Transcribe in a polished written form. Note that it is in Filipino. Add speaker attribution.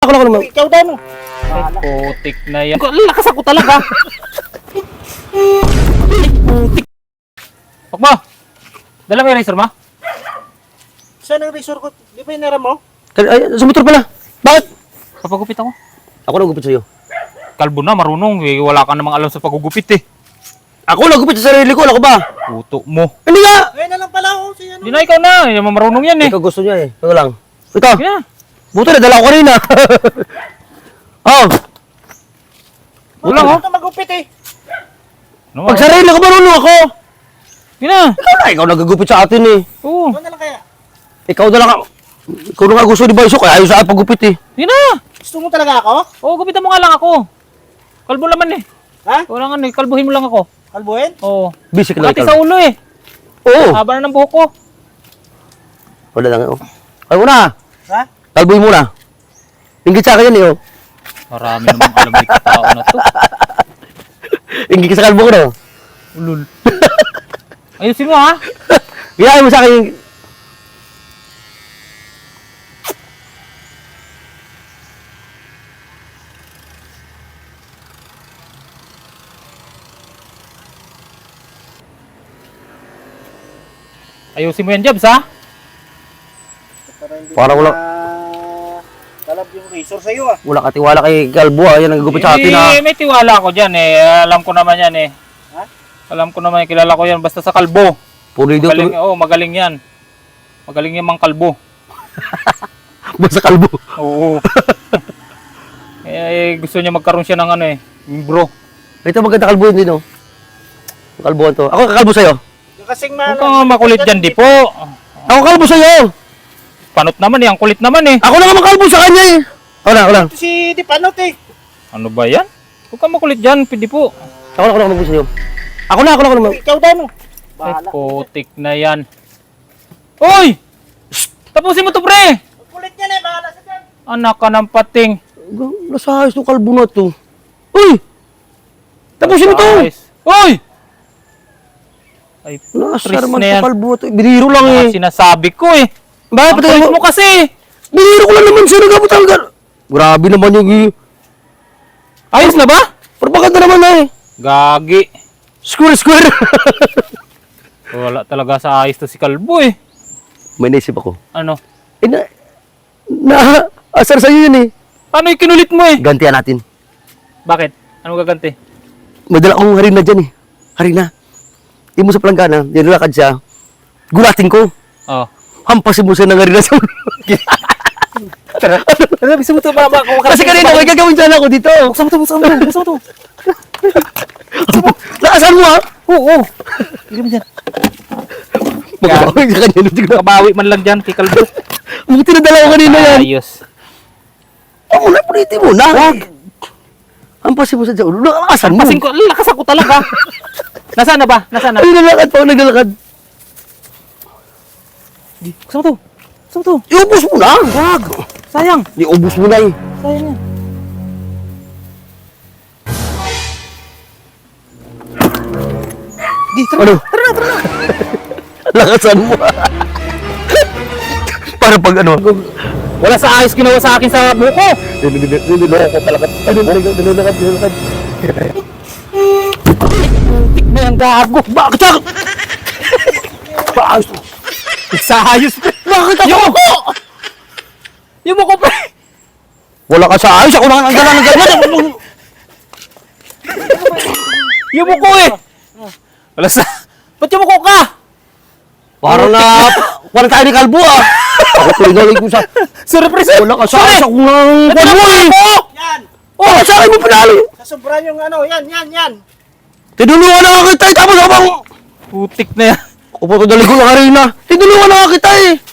Speaker 1: ako naman.
Speaker 2: Ikaw daw mo.
Speaker 3: Ay, putik na yan. Lakas ako talaga. Putik. Pakbo! Dala mo yung razor mo?
Speaker 2: Saan ang resort ko? Di ba inaram mo?
Speaker 1: Ay, sa motor pala. Bakit?
Speaker 3: Papagupit ako.
Speaker 1: Ako nagupit sa'yo.
Speaker 3: Kalbo na, marunong. Eh, wala ka namang alam sa pagugupit eh.
Speaker 1: Ako nagupit sa sarili ko. Ako ba?
Speaker 3: Puto mo.
Speaker 1: Hindi nga!
Speaker 2: Ngayon na lang pala ako. Si ano?
Speaker 3: Hindi na, ikaw na. Hindi naman marunong yan eh.
Speaker 1: Ikaw gusto niya eh. Ito lang. Ito.
Speaker 3: Sige na.
Speaker 1: Buto na, dala ko kanina. Oh,
Speaker 3: Ulang, oh.
Speaker 2: Ito magupit eh.
Speaker 3: Ano,
Speaker 1: pag sarili ko marunong ako.
Speaker 3: Sige na.
Speaker 1: Ikaw nagagupit sa atin eh.
Speaker 3: Oo.
Speaker 2: Ano na lang kaya?
Speaker 1: Ikaw na lang. Ikaw na nga gusto di ba iso? Kaya ayaw sa akin paggupit eh.
Speaker 3: Sige na.
Speaker 2: Gusto mo talaga ako?
Speaker 3: Oo, gupitan mo nga lang ako. Kalbo naman eh.
Speaker 2: Ha?
Speaker 3: Wala nga eh. Kalbuhin mo lang ako.
Speaker 2: Kalbuhin?
Speaker 3: Oo.
Speaker 1: Busy ka lang
Speaker 3: Pati
Speaker 1: ikaw.
Speaker 3: sa ulo eh.
Speaker 1: Oo.
Speaker 3: Haba na ng buhok ko.
Speaker 1: Wala lang. Oh. Ay muna.
Speaker 2: Ha?
Speaker 1: Kalbuhin muna. Ingit sa akin yan eh. Oh.
Speaker 3: Marami namang alam dito tao na to.
Speaker 1: Ingit ka sa kalbo ko na.
Speaker 3: Ulul. Ayusin mo ha.
Speaker 1: Ginaya mo sa akin yung...
Speaker 3: Ayusin mo yan, Jobs ha.
Speaker 2: Para hindi
Speaker 1: Para wala-
Speaker 2: talab yung resort sa'yo ah.
Speaker 1: Wala ka tiwala kay kalbo ah. Yan ang gupit sa atin ah.
Speaker 3: Eh, may tiwala ako dyan eh. Alam ko naman yan eh.
Speaker 2: Ha?
Speaker 3: Alam ko naman, kilala ko yan. Basta sa kalbo.
Speaker 1: Puro dito.
Speaker 3: Magaling, magaling yan. Magaling yan mang kalbo.
Speaker 1: Basta kalbo.
Speaker 3: Oo. Gusto niya magkaroon siya ng ano eh. Bro.
Speaker 1: Ito maganda kalbo yun din oh. Kalbo to. Ako kakalbo sa'yo.
Speaker 2: Yung kasing
Speaker 3: Huwag kang makulit dyan, di po.
Speaker 1: Ako kalbo sa'yo.
Speaker 3: Panot naman eh. Ang kulit naman eh.
Speaker 1: Ako na kalbo sa kanya eh. Ako lang.
Speaker 2: Ito si Di Panot eh.
Speaker 3: Ano ba yan? Huwag kang makulit dyan, pwede po.
Speaker 1: Ako na kalbo sa'yo. Ako na.
Speaker 2: Ikaw daw mo.
Speaker 3: Ay,
Speaker 2: Bahala.
Speaker 3: putik na yan. Uy! Tapusin mo to, pre!
Speaker 2: Kulit niya eh. Bahala sa dyan.
Speaker 3: Anak ka ng pating.
Speaker 1: Nasa ayos ng kalbo na to. Uy! Tapusin mo to!
Speaker 3: Ayos. Uy! Ay,
Speaker 1: Nasa
Speaker 3: tris
Speaker 1: naman
Speaker 3: na yan.
Speaker 1: to kalbo to. Biniro lang eh.
Speaker 3: Sinasabi ko eh.
Speaker 1: Bakit
Speaker 3: Ang
Speaker 1: patay
Speaker 3: kulit
Speaker 1: mo?
Speaker 3: mo kasi.
Speaker 1: Biniro ko lang naman siya. Nagabot ang Grabe naman yung
Speaker 3: Ayos na ba?
Speaker 1: propaganda naman na eh.
Speaker 3: Gagi.
Speaker 1: Square.
Speaker 3: Wala talaga sa ayos to si Kalbo eh.
Speaker 1: May naisip ako.
Speaker 3: Ano?
Speaker 1: Eh asar sa'yo yun eh.
Speaker 3: Paano yung kinulit mo eh?
Speaker 1: Gantihan natin.
Speaker 3: Bakit? Ano gaganti?
Speaker 1: May dala akong harina dyan eh. Harina. Di mo sa planggana. Nilakad siya. Gulatin ko.
Speaker 3: Oh.
Speaker 1: Hampasin mo siya ng harina sa ulo.
Speaker 3: Ano, gusto mo to ba?
Speaker 1: Kasi kanina may gagawin dyan ako dito.
Speaker 3: Buksan mo to.
Speaker 1: Naasan mo ha?
Speaker 3: Oo. Hindi mo dyan.
Speaker 1: Magkakawin sa kanya.
Speaker 3: Kabawi man lang dyan kay Kalbo.
Speaker 1: Buti na dala ko kanina yan.
Speaker 3: Ayos.
Speaker 1: Ako na, puliti mo na. Hampasin mo siya dyan. Naasan mo?
Speaker 3: Pasing ko, lakas ako talaga. Nasaan na ba?
Speaker 1: Ay, nalakad pa ako naglalakad.
Speaker 3: Buksan mo to.
Speaker 1: Iubos mo na.
Speaker 3: Wag. Sayang.
Speaker 1: Iubos mo na eh.
Speaker 3: Sayang yan.
Speaker 1: Ano? Lakasan mo. Para pag ano.
Speaker 3: Wala sa ayos ginawa sa akin sa buko.
Speaker 1: Niloloko talaga. Nilolakad.
Speaker 3: Tik na yung gago.
Speaker 1: Bakit ako? Paayos mo.
Speaker 3: Sa ayos.
Speaker 1: Bakit ako?
Speaker 3: Yung buko pre.
Speaker 1: Wala ka sa ayos. Ako na ang gala ng ganyan.
Speaker 3: Yung buko eh. Wala sa... Ba't yung buko ka?
Speaker 1: Parang na... Parang tayo ni Kalbo ah. Ako pinagaling ko sa...
Speaker 3: Surprise.
Speaker 1: Wala ka sa ayos. Ako ng...
Speaker 3: Ito na
Speaker 1: eh.
Speaker 3: Yan.
Speaker 1: Oh, sa akin mo pinali.
Speaker 2: Sa sobra yung ano. Yan.
Speaker 1: Tinulungan na kita. Tapos ako bang...
Speaker 3: Putik na yan.
Speaker 1: Ako pa ito dalig ko ng harina. Tinulungan na kita eh.